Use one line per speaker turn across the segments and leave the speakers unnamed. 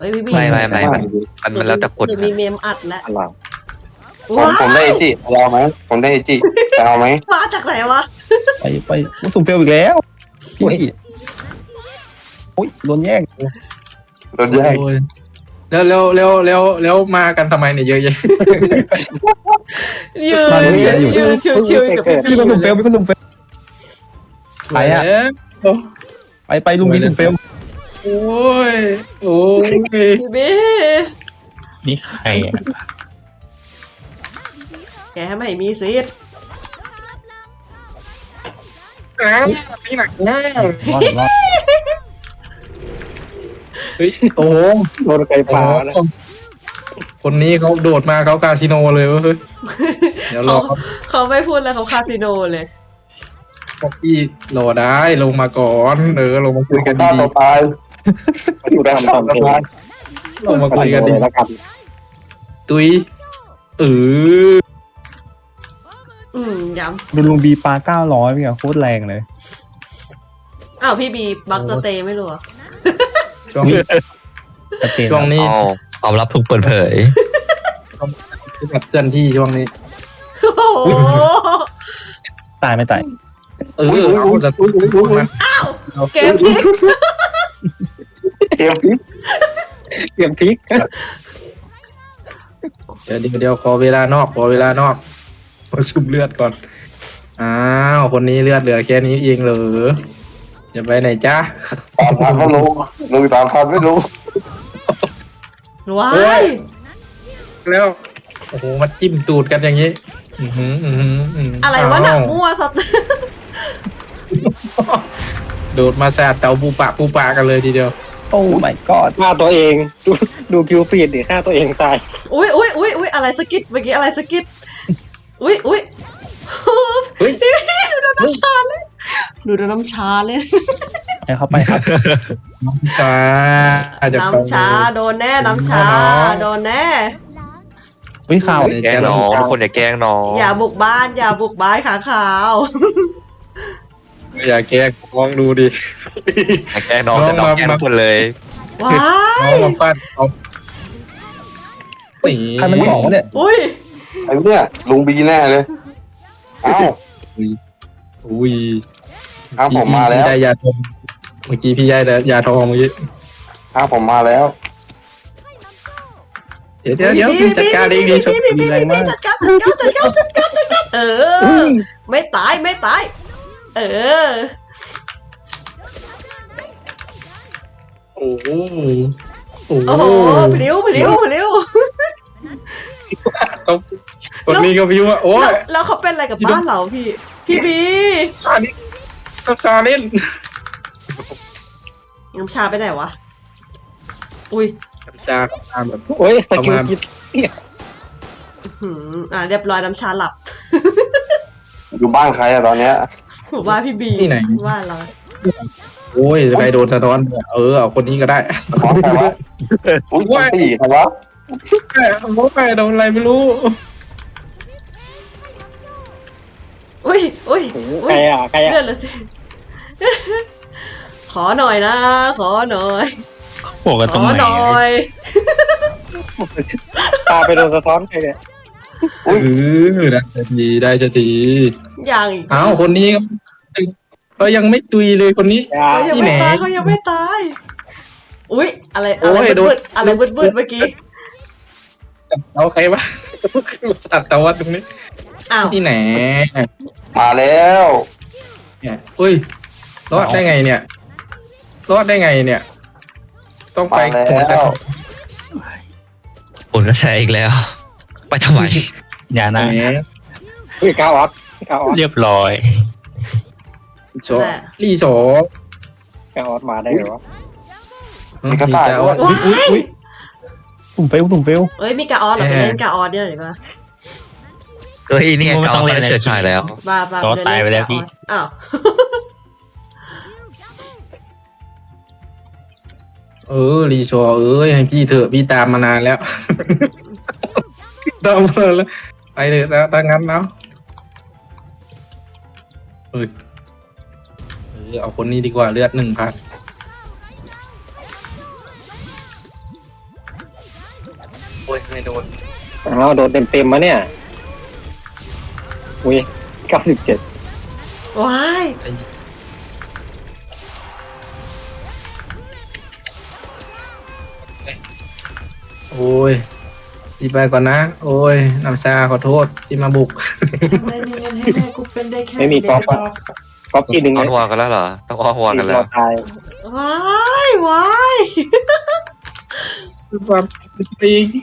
ฮ้ยพี่บี
ไม่มันแล้วแต่กด
จะมีเมมอัดแล้ว
อะไรผมได้เอจิเอาไหมผมได้เอจิจะเอาไหม
มาจากไหนวะ
ไปสุ่มเฟลอีกแล้วพี่โอ้ยโดนแย่ง
โดนแย่ง
โอ้ยแล้วมากันทำไมเนี่ยเยอะแยะ
ยืนชิวๆกับพี่
พี่ก็สุ่มเฟลพี่ก็สุ่มเฟล ไปอะ ไปลุงมีสุ่มเฟล
โอ้ย
พี่บี
นี่ใครอ่ะ
แกไม่มีสิทธิ์
นี่หนักแน่
รอด
เฮ้ยโอ้
โดนไก่ป่าแล้ว
คนนี้เขาโดดมาเขาคาสิโนเลยเว้ยเดี๋ยวรอ
เขาไม่พูดแล้วเขาคาสิโนเลย
พวกพี่รอได้ลงมาก่อนลงมาคุยกัน
ต่
ดี
อไปอยู่ได้ทำเอง
ๆลงมาคุยกันดี
แล้วกัน
ตุ้ยเออ
ย้
ดูลุงบีปลา900พี่อะโคตรแรงเลย
ำอ้าวพี่บีบักสเตย์ไม่รู้เหรอ
ช่วงนี้
ชัดเจน
ช่วงนี้
เอาความลับถูกเปิดเผย
แบบเคลื่อนที่ช่วงนี้
โอ้โห
ตายไม่ตาย
เอาจะมัน
เกมพลิก
เตรียมพริกเตรียมพริก
เดี๋ยวขอเวลานอกมาชุบเลือดก่อนอ้าวคนนี้เลือดเหลือแค่นี้เองเหรอจะไปไหนจ้า
ตามทันไม่รู้ลุงตามทันไม่รู้
ว้า
เฮ้
ย
ย แล้วโอ้โหมาจิ้มตูดกันอย่างนี้
อะไรวะหนักมั่วสัตว์
โดดมาแซดเตาปูปะกันเลยทีเดียว
โอ้ my god
ฆ่าตัวเองดูคิวฟีดดิฆ่าตัวเองตาย
อุ้ยอะไรสกิดเมื่อกี้อะไรสกิดอุ้ย
เฮ้ย
ดูน้ำชาเลยดูน้ำชาเลย
ให้เข้าไปครับ
จ้าอาจจะ
น้ำชาโดนแน่น้ำชาโดนแน่
อุ้ยข่าว
แกล้งน้องทุกคนอย่าแกล้งน้อง
อย่าบุกบ้านขาขาว
อย่าแกล้งลองดูดิ
อย่าแกล้งน้องแต่น้องแกล้งทุกคนเลย
ว้า
น้อง
ย
มาฟาดเอาตี
ใครมันบอกว่าเนี่ย
อุ้ย
ไอ้เนี่ยลุงบีแน่เลยเอ้า
อุ้ย
อ้าวผมมาแล้ว
พี่ได้ยาทองเมื่อกี้พี่ได้ยาทองเมื่อกี้
อ้าวผมมาแล้ว
เดี๋ยวพี่จัดการเองดีสุด
พี่จัดการเออไม่ตายเออ
โอ้โห
โอ้โหพลิ้ว
คนนี้ก็พิวว่าโอ้ย
แล้วเขาเป็นอะไรกับบ้านเราพี่บี
ชานี่ต้องชาเล่น
น้ำชาไปไหนวะอุ้ย
ชาแบบ
โอ้ยสกิลคิด
เรียบร้อยน้ำชาหลับ
อยู่บ้านใครอะตอนเนี้ย
ผมว่าพี่บี
ที่ไหน
ว่าเรา
โอ้ยใครโดนสะท้อนเอาคนนี้ก็ได้
ขอใครวะอุ้ยตีใครวะ
ใครโดนอะไรไม่รู้
อุ้ย
ใครอะใครอะ
เลื่อนเลยสิ ขอหน่อยนะ ขอหน่อย
บอกกัน
ข
ตรง
อ
ไหน
หน่อย
ตาไปโดนสะท้อนใครเนี่ย
ได้จะดี
อย่างอีก
อ้าวคนนี้ก็ยังไม่ตุยเลยคนนี้
เขายังไม่ตายอุ้ยอะไรบึดเมื่อกี้
เอาใครวะสัตว์ตะวัดตรงนี้
อ้าว
ที่ไหน
มาแล้ว
เนี่ยอุ้ยรอดได้ไงเนี่ย ต้องไป
มา
โหนกระ
แล้ว
สอบ
คุณก็ใช้อีกแล้ว ไปทำไม
อย่านะ
แหม
อุ้ยก้าวออส
เรียบร้อย
โชลี่โช
ก้าวออสมาได้เหรอ
มีกระต่าย
ว้าย
สุ่มเฟล
เอ้ยมีกาออสเราไปเล่นกาออสเนี่ยหรือเปล่า
เฮ้ยเนี่ยเก่าเฉยชายแล้ว
บ้าตายไปแล้วพี่อ้าว
รีโชให้พี่เถอะพี่ตามมานานแล้ว ตามมาแล้วไปเถอะถ้างั้นแล้วเอาคนนี้ดีกว่าเลือด1,000
โอ้ยไม่โดน
อ้าวโดนเต็มมาเนี่ยอุ้ย97
ว้าย
โอ้ยพี่ไปก่อนนะ โอ้ยน้ำชาขอโทษที่มาบุก
ทำไมมีเงินให้แม่กูเป็นได้แค่
ไม่มีก๊อฟ
เด็ก
อะก๊อฟที่หนึ่ง
ออ
นะ
นวอกันแล้วเหรอต้องออนวอกันแล้ว
ตาย
ว้ายว้าย
สัตว์ปีก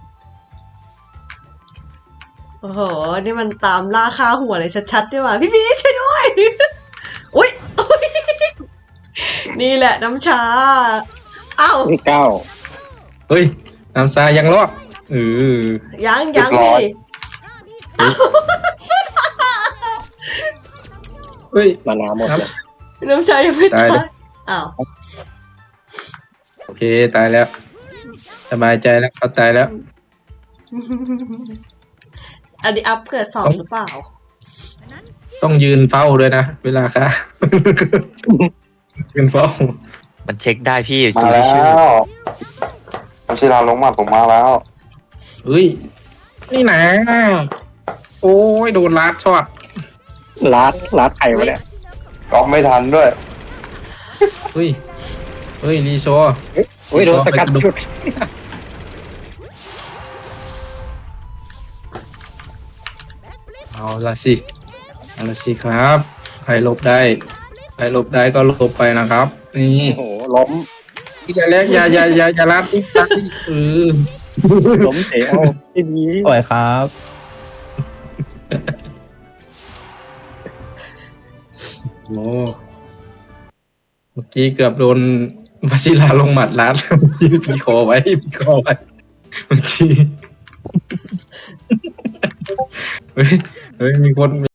โอ้โห นี่มันตามล่าค่าหัวเลยชัดๆด้วยว่ะพี่พีช่วยด้วย อุ๊ยอุ๊ยนี่แหละน้ำชา อ้าว
ที่9
เฮ้ยน้ำชายังรอด
ยังพี่
เฮ้ย
มานาหมด
น้
เลย
น้ำชายังไม่ตาย
ตายเลย
อ้าว
โอเคตายแล้วสบายใจแล้วเขาตายแล้ว
อันนี้อัพเกิดสองหรือเปล่า
ต้องยืนเฝ้าด้วยนะเวลาค่ะ ยืนเฝ้า
มันเช็คได้พี่
มา
ดู
แล้
ที่ชื่อ
ววชิราลงมาผมมาแล้ว
เฮ้ยนี่นะโอ้ยโดนลัดช็อต
ลัดไข่มาเนี่ย
ก๊อฟไม่ทันด้วย
เฮ้ยรีโช
อุ้ยโดนสกัดหยุด
เอาละสิครับใครหลบได้ก็หลบไปนะครับ นี่
โอ้โหล้ม
อย่าเล็กอย่าลัดอีก
ล้มเสียเอาที่นี้
สวยครับ
โอ้เมื่อกี้เกือบโดนวชิราลงหมัดลัดเมื่อกี้พี่คอไว้เมื่อกี้เฮ้ยมีคน